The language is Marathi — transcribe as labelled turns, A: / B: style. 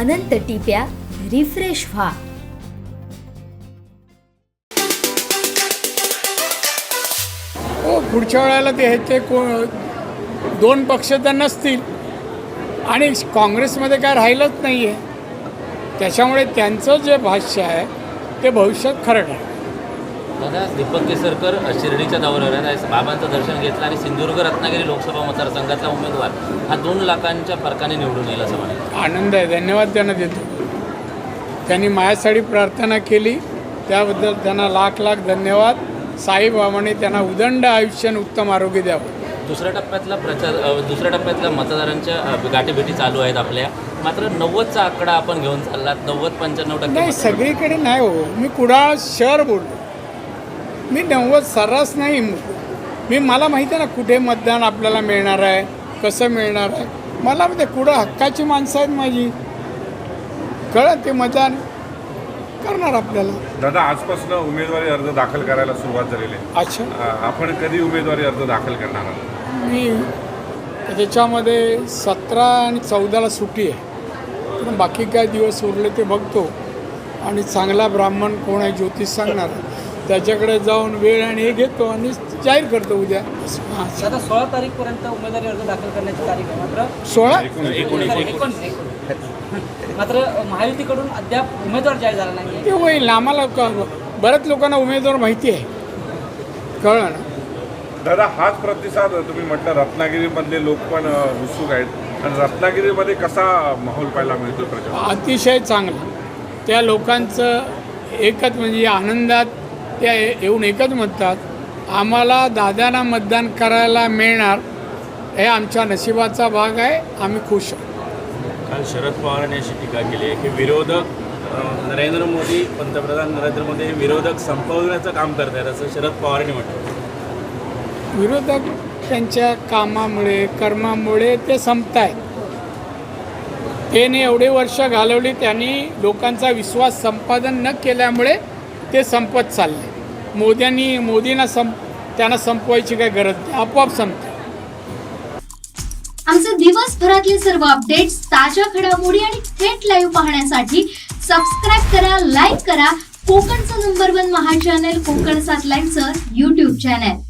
A: अनंत टिप्या रिफ्रेश व्हा.
B: हो, पुढच्या वेळेला ते दोन पक्ष तर नसतील आणि काँग्रेसमध्ये काय राहिलंच नाही आहे. त्याच्यामुळे त्यांचं जे भाष्य आहे ते भविष्यात खरं आहे.
C: दादा, दीपक केसरकर शिर्डीच्या दौऱ्यावर आहेत. बाबांचं दर्शन घेतलं आणि सिंधुदुर्ग रत्नागिरी लोकसभा मतदारसंघातला उमेदवार हा 2 लाखांच्या फरकाने निवडून येईल असं म्हणाले.
B: आनंद आहे, धन्यवाद त्यांना देतो. त्यांनी माझ्यासाठी प्रार्थना केली त्याबद्दल त्यांना लाख लाख धन्यवाद. साईबाबांनी त्यांना उदंड आयुष्य आणि उत्तम आरोग्य द्यावं.
C: दुसऱ्या टप्प्यातल्या मतदारांच्या गाठीभेटी चालू आहेत आपल्या. मात्र 90चा आकडा आपण घेऊन चाललात. 90-95%
B: नाही, सगळीकडे नाही हो. मी कुडाळ शहर बोललो. मी 90 सर्रास नाही. मला माहिती आहे ना कुठे मतदान आपल्याला मिळणार आहे, कसं मिळणार आहे. मला ते कुठं हक्काची माणसं आहेत माझी, कळत ते मतदान करणार आपल्याला.
D: दादा, आजपासून उमेदवारी अर्ज दाखल करायला सुरुवात झालेली आहे.
B: अच्छा,
D: आपण कधी उमेदवारी अर्ज दाखल करणार आहात?
B: मी त्याच्यामध्ये 17 आणि 14ला सुट्टी आहे. पण बाकी काय दिवस उरले ते बघतो आणि चांगला ब्राह्मण कोण आहे ज्योतिष सांगणार त्याच्याकडे जाऊन वेळ आणि हे घेतो आणि जाहीर करतो उद्या.
E: आता 16 तारीखपर्यंत उमेदवारी अर्ज दाखल करण्याची तारीख आहे. मात्र
B: 16
E: मात्र महायुतीकडून अद्याप उमेदवार जाहीर झाला नाही.
B: ते होईल. आम्हाला बऱ्याच लोकांना उमेदवार माहिती आहे, कळलं ना.
D: दादा, हाच प्रतिसाद तुम्ही म्हटलं रत्नागिरीमधले लोक पण उत्सुक आहेत आणि रत्नागिरीमध्ये कसा माहोल पाहायला मिळतो प्रचार?
B: अतिशय चांगला. त्या लोकांचं एकच म्हणजे आनंदात त्या येऊन एकच म्हणतात, आम्हाला दादांना मतदान करायला मिळणार हे आमच्या नशिबाचा भाग आहे, आम्ही खुश आहोत.
F: काल शरद पवारांनी अशी टीका केली आहे की विरोधक नरेंद्र मोदी, पंतप्रधान नरेंद्र मोदी हे विरोधक संपवण्याचं काम करत आहेत असं शरद पवारांनी म्हटलं.
B: विरोधक त्यांच्या कामामुळे कर्मामुळे ते संपत आहेत. त्याने एवढे वर्ष घालवली, त्यांनी लोकांचा विश्वास संपादन न केल्यामुळे ते संपत चालले. मोदींना त्यांना संपवायची काही गरज नाही, आपोआप संपते.
G: आमचे दिवसभरातले सर्व अपडेट्स, ताज्या घडामोडी आणि थेट लाईव्ह पाहण्यासाठी सबस्क्राईब करा, लाईक करा कोकणचं नंबर 1 महा चॅनल कोकण 7 लाईव्हचं YouTube चॅनल.